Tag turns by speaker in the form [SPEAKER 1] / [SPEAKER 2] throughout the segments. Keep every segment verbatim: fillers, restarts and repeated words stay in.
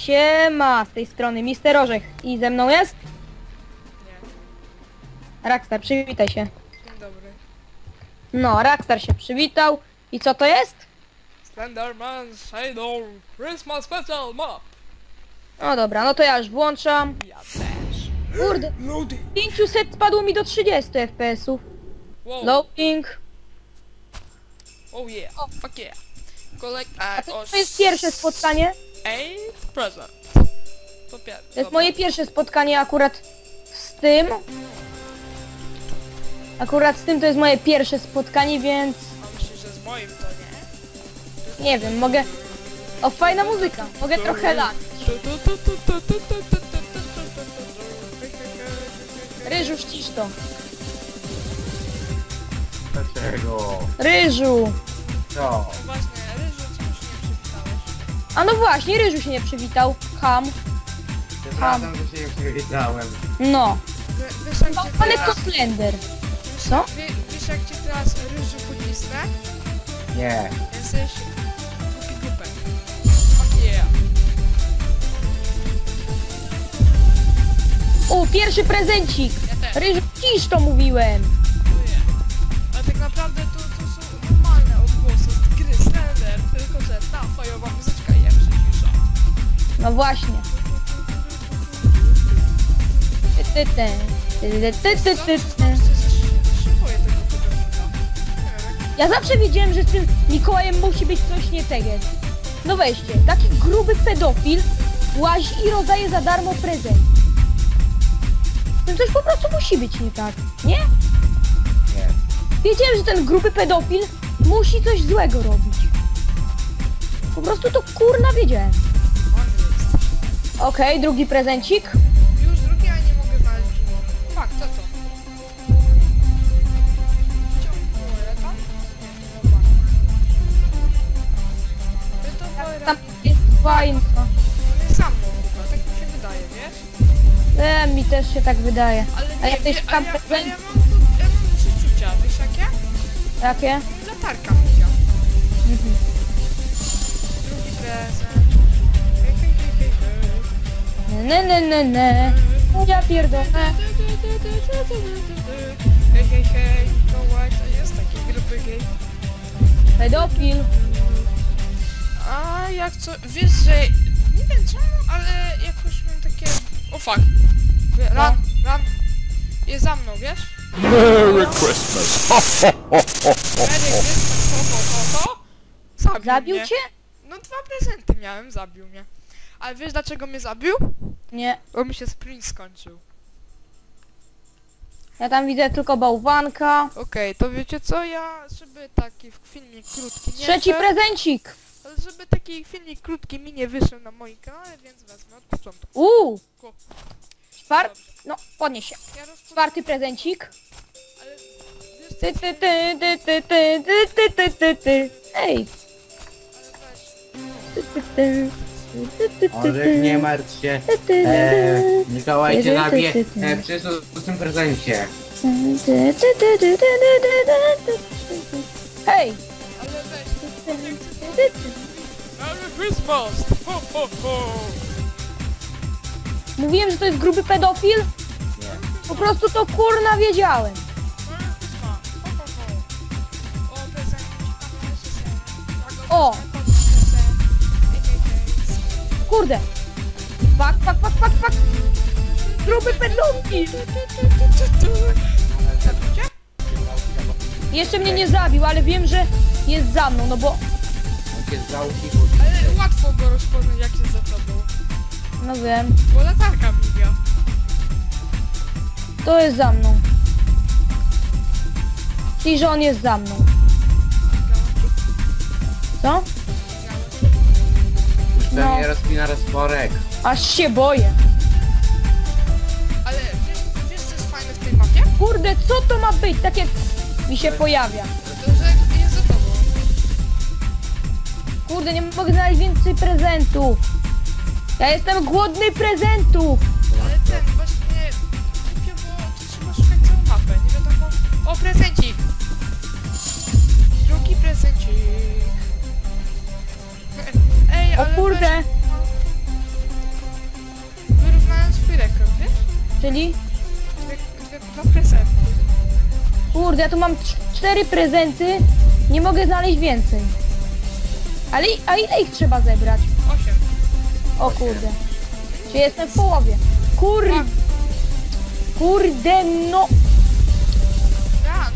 [SPEAKER 1] Siema, z tej strony mister Orzech. I ze mną jest?
[SPEAKER 2] Nie.
[SPEAKER 1] Rockstar, przywitaj się.
[SPEAKER 2] Dzień dobry.
[SPEAKER 1] No, Rockstar się przywitał. I co to jest?
[SPEAKER 2] Slenderman Shadow Christmas Special Map.
[SPEAKER 1] No dobra, no to ja już włączam.
[SPEAKER 2] Ja też.
[SPEAKER 1] Kurde,
[SPEAKER 2] Loading.
[SPEAKER 1] pięćset spadło mi do trzydziestu F P S ów.
[SPEAKER 2] Wow.
[SPEAKER 1] Loading.
[SPEAKER 2] Oh yeah.
[SPEAKER 1] O.
[SPEAKER 2] Fuck yeah. Collect
[SPEAKER 1] A
[SPEAKER 2] a
[SPEAKER 1] to, to jest pierwsze spotkanie.
[SPEAKER 2] eight present. To pierwsze.
[SPEAKER 1] To jest moje pierwsze spotkanie akurat z tym. Akurat z tym to jest moje pierwsze spotkanie, więc...
[SPEAKER 2] A myślisz, że z moim to nie?
[SPEAKER 1] Nie wiem, mogę... O, fajna muzyka. Mogę trochę lat. Ryżu, ścisz to.
[SPEAKER 3] Dlaczego?
[SPEAKER 1] Ryżu.
[SPEAKER 3] Co?
[SPEAKER 2] Właśnie, Ryżu, czemu się nie przywitałeś?
[SPEAKER 1] A no właśnie, Ryżu się nie przywitał. Ham.
[SPEAKER 3] Przepraszam, że się nie przywitałem.
[SPEAKER 1] No.
[SPEAKER 2] Wie- Wiesz jak cię
[SPEAKER 1] Ale
[SPEAKER 2] teraz...
[SPEAKER 1] to Slender.
[SPEAKER 2] wiesz-
[SPEAKER 1] co?
[SPEAKER 2] wie- Wiesz jak cię teraz Ryżu pocisnę?
[SPEAKER 3] Nie.
[SPEAKER 2] Jesteś głupi głupek. Fuck yeah.
[SPEAKER 1] O, pierwszy prezencik.
[SPEAKER 2] Ja też.
[SPEAKER 1] Ryżu, ścisz to mówiłem.
[SPEAKER 2] Dziękuję. Ale tak naprawdę to, to są normalne odgłosy z gry Slender, tylko że ta fajowa muzyczka jest cisza.
[SPEAKER 1] No właśnie. Ty, ty, ty. Ty, ty, ty, ty, ty.
[SPEAKER 2] Szykuję tego pedofila. Nie wiem,
[SPEAKER 1] Ja zawsze wiedziałem, że z tym Mikołajem musi być coś nie tego. No weźcie, taki gruby pedofil łazi i rozdaje za darmo prezent. Z tym coś po prostu musi być nie tak, nie?
[SPEAKER 3] Nie.
[SPEAKER 1] Wiedziałem, że ten gruby pedofil musi coś złego robić. Po prostu to kurna wiedziałem.
[SPEAKER 2] jak on jest.
[SPEAKER 1] Okej, drugi prezencik.
[SPEAKER 2] Już drugi, a nie mogę znaleźć piwo. Fak, co to? Ciągnąłem tam? Nie, chyba. To to
[SPEAKER 1] Tam
[SPEAKER 2] Tam...
[SPEAKER 1] jest fajna.
[SPEAKER 2] On jest sam mną chyba, tak mi się wydaje, wiesz?
[SPEAKER 1] E, mi też się tak wydaje.
[SPEAKER 2] Ale
[SPEAKER 1] A
[SPEAKER 2] nie,
[SPEAKER 1] jak ktoś
[SPEAKER 2] wie-
[SPEAKER 1] tam
[SPEAKER 2] ale ja, ale
[SPEAKER 1] prezent...
[SPEAKER 2] ja mam tu, ja mam przeczucia, wiesz jakie?
[SPEAKER 1] Jakie?
[SPEAKER 2] Latarka mija.
[SPEAKER 1] Mhm.
[SPEAKER 2] Drugi prezent. Hej, hej, hej, hej, hej.
[SPEAKER 1] Ne, ne, ne, ne. Ja pierdolę.
[SPEAKER 2] Hej, hej, hej, Mikołaj, to jest taki gruby gej.
[SPEAKER 1] Pedofil.
[SPEAKER 2] A jak co, wiesz, że nie wiem czemu, ale jakoś mam takie... O fuck. Wie- Ran, ran. Jest za mną, wiesz?
[SPEAKER 4] Merry Christmas! Ho, ho, ho, ho, ho.
[SPEAKER 2] Merry Christmas, ho, ho, ho, ho. Zabił,
[SPEAKER 1] Zabił
[SPEAKER 2] mnie.
[SPEAKER 1] cię?
[SPEAKER 2] No dwa prezenty miałem, zabił mnie. Ale wiesz dlaczego mnie zabił?
[SPEAKER 1] Nie.
[SPEAKER 2] Bo mi się sprint skończył.
[SPEAKER 1] Ja tam widzę tylko bałwanka.
[SPEAKER 2] Okej, to wiecie co, ja, żeby taki filmik krótki nie
[SPEAKER 1] Trzeci
[SPEAKER 2] szedł,
[SPEAKER 1] prezencik.
[SPEAKER 2] ale żeby taki filmik krótki mi nie wyszedł na moim kanale, więc wezmę od początku.
[SPEAKER 1] Uuu.
[SPEAKER 2] Ko-
[SPEAKER 1] Czwarty. No, podnieś się.
[SPEAKER 2] Ja rozpoczynam,
[SPEAKER 1] Czwarty prezencik.
[SPEAKER 2] ale wiesz co,
[SPEAKER 1] Ty, ty, ty, ty, ty, ty, ty, ty, ty, ty, ty. Ej.
[SPEAKER 2] ale weź.
[SPEAKER 1] Ty, ty, ty. Ty, ty, ty,
[SPEAKER 3] Orzech, nie martw się.
[SPEAKER 1] ty, ty,
[SPEAKER 3] Eee, Mikołaj cię
[SPEAKER 1] Ty, ty,
[SPEAKER 3] nabije.
[SPEAKER 1] ty, ty.
[SPEAKER 3] Eee, przecież to w tym prezencie.
[SPEAKER 1] ty, ty, ty, ty, ty, ty, ty, ty, ty. Hej.
[SPEAKER 2] Ale weź.
[SPEAKER 1] Ty, ty, ty.
[SPEAKER 2] Merry Christmas! Ho, ho, ho!
[SPEAKER 1] Mówiłem, że to jest gruby pedofil?
[SPEAKER 3] Nie.
[SPEAKER 1] Po prostu to kurna wiedziałem.
[SPEAKER 2] Merry Christmas! Ho, ho, ho! O, prezenci, pamiętajcie się.
[SPEAKER 1] O.
[SPEAKER 2] Hej, hej, hej.
[SPEAKER 1] Kurde. Fak, fak, fak, fak, fak. Gruby pedofil.
[SPEAKER 2] Zabił cię?
[SPEAKER 1] Jeszcze mnie nie zabił, ale wiem, że jest za mną, no bo...
[SPEAKER 3] On cię zwał i
[SPEAKER 2] Ale łatwo go rozpoznać jak jest za tobą.
[SPEAKER 1] No wiem.
[SPEAKER 2] Bo latarka miga.
[SPEAKER 1] To jest za mną. Czyli, że on jest za mną. Co?
[SPEAKER 3] już
[SPEAKER 1] No.
[SPEAKER 3] pewnie rozpina rozporek.
[SPEAKER 1] Aż się boję.
[SPEAKER 2] Ale wiesz, wiesz co jest fajne w tej mapie?
[SPEAKER 1] Kurde, co to ma być? Tak jak mi się pojawia.
[SPEAKER 2] To, że jest za tobą.
[SPEAKER 1] Kurde, nie mogę znaleźć więcej prezentów. Ja jestem głodny prezentów.
[SPEAKER 2] Ale ten właśnie głupio, bo tu trzeba szukać całą mapę, nie wiadomo. O, prezencik! Drugi prezencik. Ej,
[SPEAKER 1] O
[SPEAKER 2] ale
[SPEAKER 1] kurde.
[SPEAKER 2] weź-
[SPEAKER 1] Czyli?
[SPEAKER 2] Dwie, dwie, dwa prezenty.
[SPEAKER 1] Kurde, ja tu mam cz- cztery prezenty. Nie mogę znaleźć więcej. Ale i- a ile ich trzeba zebrać?
[SPEAKER 2] Osiem.
[SPEAKER 1] O kurde. Czy jestem w połowie? Kur...
[SPEAKER 2] Tak.
[SPEAKER 1] Kurde no...
[SPEAKER 2] Ran.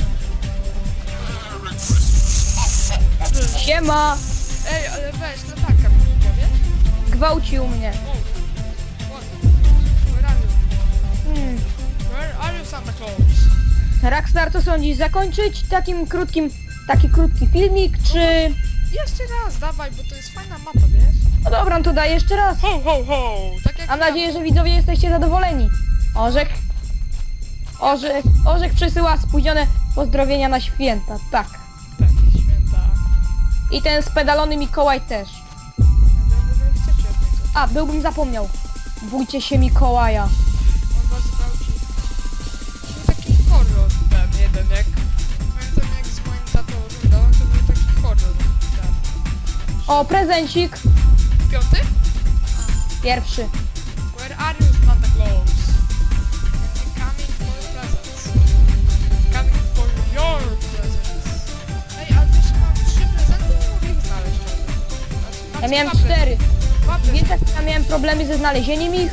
[SPEAKER 1] Siema!
[SPEAKER 2] Ej, ale weź, no tak, mi powiesz?
[SPEAKER 1] Gwałcił mnie.
[SPEAKER 2] O, what? Where are you?
[SPEAKER 1] Hmm.
[SPEAKER 2] Where are you, Santa Claus?
[SPEAKER 1] Rockstar, co sądzisz? Zakończyć takim krótkim... Taki krótki filmik, czy...
[SPEAKER 2] Jeszcze raz, dawaj, bo to jest fajna mapa, wiesz?
[SPEAKER 1] No dobra, no to daj jeszcze raz.
[SPEAKER 2] Ho, ho, ho! Tak jak
[SPEAKER 1] Mam
[SPEAKER 2] ja.
[SPEAKER 1] nadzieję, że widzowie jesteście zadowoleni. Orzech... Orzech... Orzech przesyła spóźnione pozdrowienia na święta. Tak.
[SPEAKER 2] Tak, święta.
[SPEAKER 1] I ten spedalony Mikołaj też.
[SPEAKER 2] Ja w ogóle chcecie od niego.
[SPEAKER 1] A, byłbym zapomniał. Bójcie się Mikołaja.
[SPEAKER 2] On was gwałci. To był taki horror ten jeden, jak... Pamiętam jak z moim tatą oglądałem, to był taki horror. Ten.
[SPEAKER 1] O, prezencik.
[SPEAKER 2] Piąty?
[SPEAKER 1] Pierwszy.
[SPEAKER 2] Where are you, Santa Claus? I'm coming for presents. Coming for your presents. Ej, ale też mam trzy prezenty, nie mogę ich znaleźć. Znaczy,
[SPEAKER 1] Ja miałem
[SPEAKER 2] dwa prezenty.
[SPEAKER 1] cztery.
[SPEAKER 2] Dwa prezenty.
[SPEAKER 1] Więc jak ja miałem problemy ze znalezieniem ich.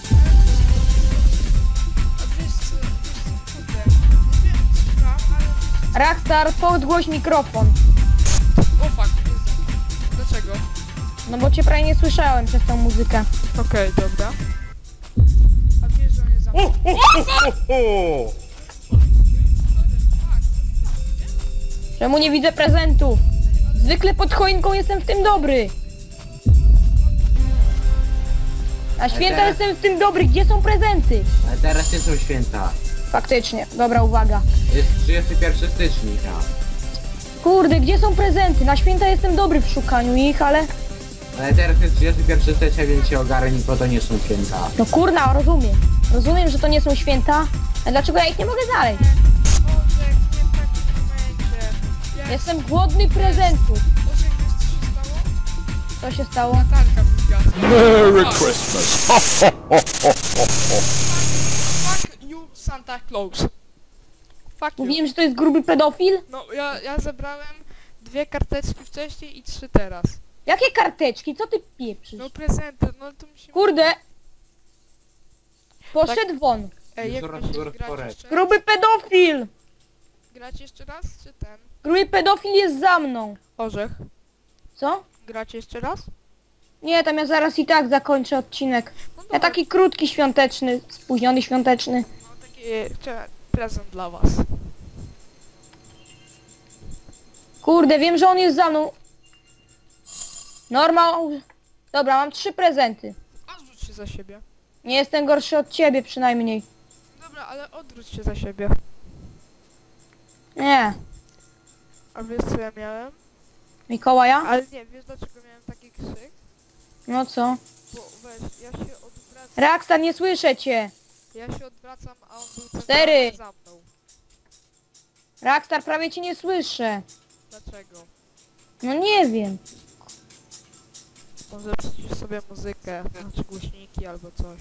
[SPEAKER 2] A wiesz co, wiesz co, kurde, nie wiem, słucham, ale...
[SPEAKER 1] Rockstar, podgłoś mikrofon.
[SPEAKER 2] O fuck, Jezu. Dlaczego?
[SPEAKER 1] No bo cię prawie nie słyszałem przez tą muzykę.
[SPEAKER 2] Okej, dobra. A wiesz, że on jest zamknięty?
[SPEAKER 4] Ho!
[SPEAKER 1] Czemu nie widzę prezentów? Zwykle pod choinką jestem w tym dobry. Na święta
[SPEAKER 3] teraz-
[SPEAKER 1] jestem w tym dobry. Gdzie są prezenty?
[SPEAKER 3] Ale teraz nie są święta.
[SPEAKER 1] Faktycznie. Dobra, uwaga.
[SPEAKER 3] Jest trzydziestego pierwszego stycznia.
[SPEAKER 1] Kurde, gdzie są prezenty? Na święta jestem dobry w szukaniu ich, ale...
[SPEAKER 3] Ale teraz jest trzydziestego pierwszego stycznia, więc się ogarnij, bo to nie są święta.
[SPEAKER 1] No kurna, rozumiem. Rozumiem, że to nie są święta. Ale dlaczego ja ich nie mogę znaleźć?
[SPEAKER 2] Orzech, nie w takim momencie. Ja
[SPEAKER 1] Jestem głodny prezentów.
[SPEAKER 2] Orzech, wiesz co się stało?
[SPEAKER 1] Co się stało?
[SPEAKER 2] Natalka mi zgasła.
[SPEAKER 4] Merry
[SPEAKER 2] Fuck.
[SPEAKER 4] Christmas! Ho, ho, ho, ho, ho, ho.
[SPEAKER 2] Fuck you, Santa Claus. Fuck you.
[SPEAKER 1] Mówiłem, że to jest gruby pedofil?
[SPEAKER 2] No, ja, ja zebrałem dwie karteczki wcześniej i trzy teraz.
[SPEAKER 1] Jakie karteczki? Co ty pieprzysz?
[SPEAKER 2] No prezenty, no to musimy...
[SPEAKER 1] Kurde! Poszedł won.
[SPEAKER 2] Ej, jak
[SPEAKER 3] Coraz
[SPEAKER 2] będziesz
[SPEAKER 3] coraz
[SPEAKER 2] grać
[SPEAKER 3] porę.
[SPEAKER 2] jeszcze?
[SPEAKER 1] Gruby pedofil!
[SPEAKER 2] Grać jeszcze raz, czy ten?
[SPEAKER 1] Gruby pedofil jest za mną.
[SPEAKER 2] Orzech.
[SPEAKER 1] Co?
[SPEAKER 2] Grać jeszcze raz?
[SPEAKER 1] Nie, tam ja zaraz i tak zakończę odcinek.
[SPEAKER 2] No
[SPEAKER 1] Ja
[SPEAKER 2] dobra.
[SPEAKER 1] taki krótki świąteczny, spóźniony świąteczny.
[SPEAKER 2] No taki e, prezent dla was.
[SPEAKER 1] Kurde, wiem, że on jest za mną. Normal. Dobra, mam trzy prezenty.
[SPEAKER 2] Odwróć się za siebie.
[SPEAKER 1] Nie jestem gorszy od ciebie przynajmniej.
[SPEAKER 2] Dobra, ale odwróć się za siebie.
[SPEAKER 1] Nie.
[SPEAKER 2] A wiesz co ja miałem?
[SPEAKER 1] Mikołaja?
[SPEAKER 2] Ale nie, wiesz dlaczego miałem taki krzyk?
[SPEAKER 1] No co?
[SPEAKER 2] Bo weź, ja się odwracam,
[SPEAKER 1] Rockstar, nie słyszę cię.
[SPEAKER 2] ja się odwracam, a on był
[SPEAKER 1] Cztery.
[SPEAKER 2] centralnie za mną.
[SPEAKER 1] Rockstar, prawie cię nie słyszę.
[SPEAKER 2] Dlaczego?
[SPEAKER 1] No nie wiem.
[SPEAKER 2] Może przycisz sobie muzykę, znaczy głośniki albo coś.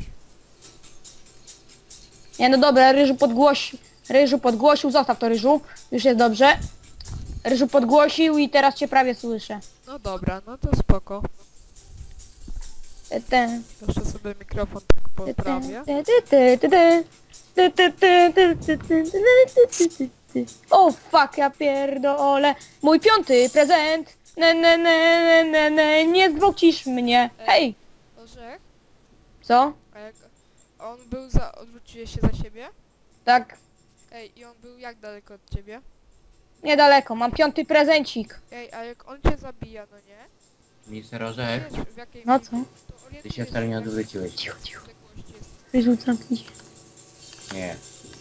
[SPEAKER 1] Nie, no dobra, Ryżu podgłosi... Ryżu podgłosił, zostaw to Ryżu. Już jest dobrze. Ryżu podgłosił i teraz cię prawie słyszę.
[SPEAKER 2] No dobra, no to spoko.
[SPEAKER 1] Te, te,
[SPEAKER 2] Jeszcze sobie mikrofon tak
[SPEAKER 1] te,
[SPEAKER 2] poprawię.
[SPEAKER 1] te, te, te, te, te. Te, te, te, te, te, te, te, te, te, te, te. O fuck, ja pierdolę. Mój piąty prezent. Ne, ne, ne, ne, ne, ne. Nie zgwałcisz mnie. Hej.
[SPEAKER 2] Orzech?
[SPEAKER 1] Co?
[SPEAKER 2] A jak on był za... odwróciłeś się za siebie?
[SPEAKER 1] Tak,
[SPEAKER 2] Ej, i on był jak daleko od ciebie?
[SPEAKER 1] niedaleko. Mam piąty prezencik.
[SPEAKER 2] Ej, a jak on cię zabija, no nie?
[SPEAKER 3] Mister Orzech,
[SPEAKER 2] Wiesz w jakiej...
[SPEAKER 1] No co?
[SPEAKER 2] to
[SPEAKER 3] ty
[SPEAKER 2] orientujesz
[SPEAKER 3] się wcale nie
[SPEAKER 2] w jakiej
[SPEAKER 3] odwróciłeś.
[SPEAKER 2] odległości jest.
[SPEAKER 1] Ryżu, zamknij się.
[SPEAKER 3] Nie.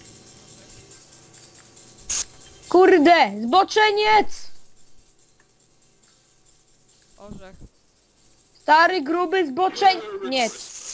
[SPEAKER 1] Kurde, zboczeniec!
[SPEAKER 2] Orzech.
[SPEAKER 1] Stary, gruby zboczeniec.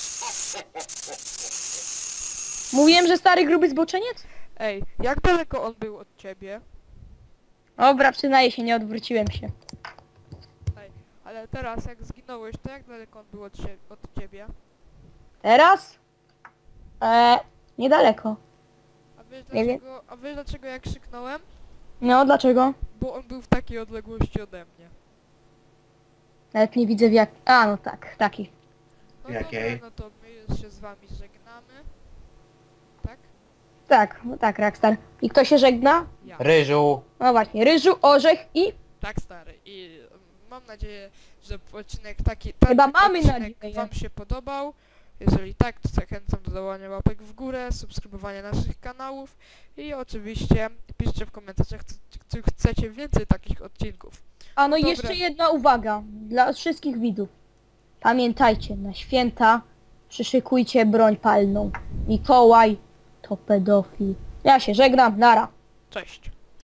[SPEAKER 1] Mówiłem, że stary, gruby zboczeniec?
[SPEAKER 2] Ej, jak daleko on był od ciebie?
[SPEAKER 1] Dobra, przyznaję się, nie odwróciłem się.
[SPEAKER 2] Ej, ale teraz jak zginąłeś, to jak daleko on był od, cie od ciebie?
[SPEAKER 1] Teraz? E, Niedaleko.
[SPEAKER 2] A wiesz
[SPEAKER 1] Nie wiem.
[SPEAKER 2] dlaczego, a wiesz dlaczego ja krzyknąłem?
[SPEAKER 1] No, dlaczego?
[SPEAKER 2] Bo on był w takiej odległości ode mnie.
[SPEAKER 1] Nawet nie widzę w jak... A, no tak, taki.
[SPEAKER 2] No
[SPEAKER 3] Jakiej?
[SPEAKER 2] dobra, no to my już się z wami żegnamy. Tak?
[SPEAKER 1] Tak, no tak, Rockstar. I kto się żegna?
[SPEAKER 2] Ja.
[SPEAKER 3] Ryżu.
[SPEAKER 1] No właśnie, ryżu, orzech i...
[SPEAKER 2] Tak, stary. I mm, mam nadzieję, że odcinek taki... Ten
[SPEAKER 1] Chyba mamy
[SPEAKER 2] odcinek
[SPEAKER 1] nadzieję.
[SPEAKER 2] wam się podobał. Jeżeli tak, to zachęcam do dawania łapek w górę, subskrybowania naszych kanałów i oczywiście piszcie w komentarzach, czy, czy chcecie więcej takich odcinków.
[SPEAKER 1] A no i
[SPEAKER 2] Dobra.
[SPEAKER 1] jeszcze jedna uwaga dla wszystkich widzów. Pamiętajcie, na święta przyszykujcie broń palną. Mikołaj to pedofil. Ja się żegnam, nara.
[SPEAKER 2] Cześć!